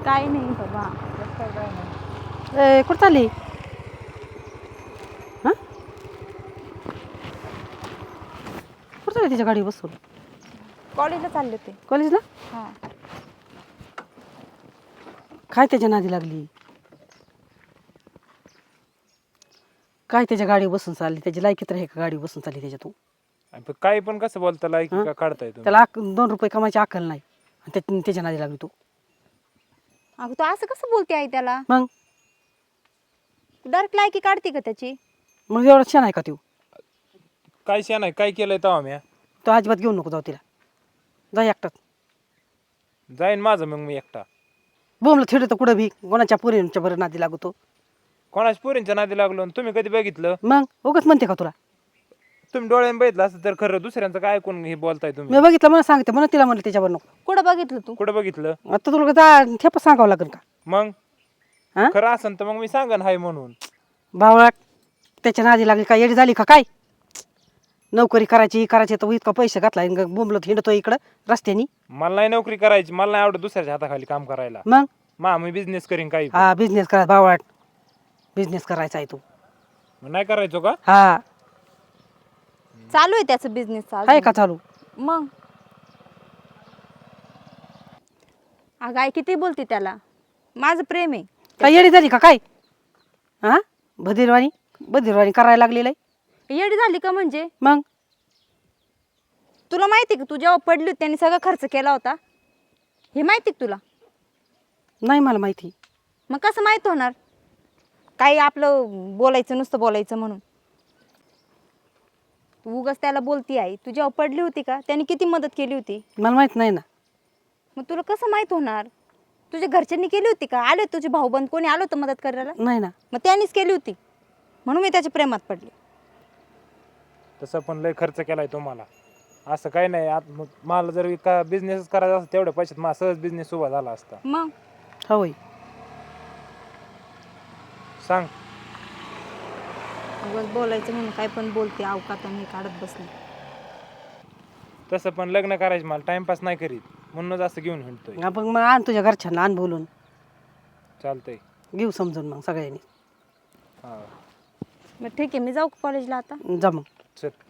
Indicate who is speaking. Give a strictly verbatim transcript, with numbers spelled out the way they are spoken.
Speaker 1: काय नाही बाबा.
Speaker 2: ए कुठं चालली हां कुठं चालली तिच्या गाडी बसून
Speaker 1: कॉलेजला चालले ते.
Speaker 2: कॉलेजला
Speaker 1: हां.
Speaker 2: काय त्याच्या नादी लागली काय त्याच्या गाडी बसून चालली त्याची लायकी तर आहे का गाडी बसून चालली त्याच्या तू
Speaker 3: आणि पण काही पण कसं बोलता लायकी
Speaker 2: हं?
Speaker 3: का काढताय तुम्ही
Speaker 2: त्याला अक दोन रुपये कमायची अक्कल नाही आणि त्या त्याच्या नादी लागली तू
Speaker 1: अगं तू असं कसं बोलते आई त्याला?
Speaker 2: मग
Speaker 1: डायरेक्ट लायकी काढते का त्याची?
Speaker 2: मग एवढा छान आहे का तू
Speaker 3: काय शा नाही काय केलंय तेव्हा म्या
Speaker 2: तो अजिबात घेऊन नको जाऊ तिला जा एकटाच
Speaker 3: जाईन माझं मग मी एकटा.
Speaker 2: बोमलं थिड तर कुठं बी कोणाच्या पोरींच्या बरं नादी लागतो
Speaker 3: कोणाच पोरींच्या नादी लागलो आणि तुम्ही कधी बघितलं?
Speaker 2: मग उगाच म्हणते का तुला
Speaker 3: तुम्ही डोळ्याने बघितलं असं तर खरं दुसऱ्यांचं काय ऐकून हे बोलताय तुम्ही?
Speaker 2: मी बघितलं मला सांगते म्हणून तिला म्हणलं त्याच्यावर नको
Speaker 1: कुठं बघितलं तू?
Speaker 3: कुठं बघितलं?
Speaker 2: आता तुला जा ठेप सांगावं लागेल का
Speaker 3: मग
Speaker 2: हां
Speaker 3: खरं असन तर मग मी सांगन हाय म्हणून.
Speaker 2: भावळा त्याच्या नादी लागली का येडी झाली का काय नोकरी करायची ही करायची तर इतका पैसे घातला बोंबलत हिंडतो इकडं रस्त्यानी
Speaker 3: मला नाही नोकरी करायची, मला नाही आवडत दुसऱ्याच्या हाताखाली काम करायला.
Speaker 2: मग
Speaker 3: मा मी बिझनेस करीन काही पण.
Speaker 2: हा बिझनेस करा भावळाट बिझनेस करायचा आहे तू
Speaker 3: मग नाही करायचो का?
Speaker 2: हा
Speaker 1: चालू आहे त्याचं बिझनेस
Speaker 2: आहे का चालू
Speaker 1: मग अगं आई किती बोलते त्याला? माझं प्रेम आहे.
Speaker 2: काय येडी झाली का काय हा बधिरवाणी बधिरवाणी करायला लागलेलं आहे
Speaker 1: येडी झाली का म्हणजे?
Speaker 2: मग
Speaker 1: तुला माहिती का तू जेव्हा पडली होती त्यांनी सगळा खर्च केला होता हे माहिती का तुला?
Speaker 2: नाही मला माहिती
Speaker 1: मग कसं माहित होणार? काही आपलं बोलायचं नुसतं बोलायचं म्हणून तू उगाच त्याला बोलती आई. तू जेव्हा पडली होती का त्यांनी किती मदत केली होती?
Speaker 2: मला माहित नाही ना
Speaker 1: मग तुला कसं माहित होणार? तुझ्या घरच्यांनी केली होती का? आले तुझे भाऊबंद कोणी आलं होतं मदत करायला?
Speaker 2: नाही ना
Speaker 1: मग त्यांनीच केली होती म्हणून मी त्याच्या प्रेमात पडले.
Speaker 3: तसं पण लय खर्च केलाय तुम्हाला. असं काही नाही. आत मग मला जर का बिझनेस करायचा असता तेवढ्या पैशात माझा सहज बिझनेस उभा झाला असता.
Speaker 1: मग
Speaker 2: होय
Speaker 3: सांग.
Speaker 1: उगाच बोलायचं म्हणून काय पण बोलते अवकात आणि काढत बसली.
Speaker 3: तसं पण लग्न करायचं मला टाइमपास नाही करीत म्हणूनच असं घेऊन हिंडतोय.
Speaker 2: आपण मग आण तुझ्या घरच्यांना आण बोलून
Speaker 3: चालतंय.
Speaker 2: घेऊ समजून मग सगळ्यांनी
Speaker 3: हा
Speaker 1: मग ठीक आहे मी जाऊ कॉलेजला आता.
Speaker 2: जा मग
Speaker 3: चल.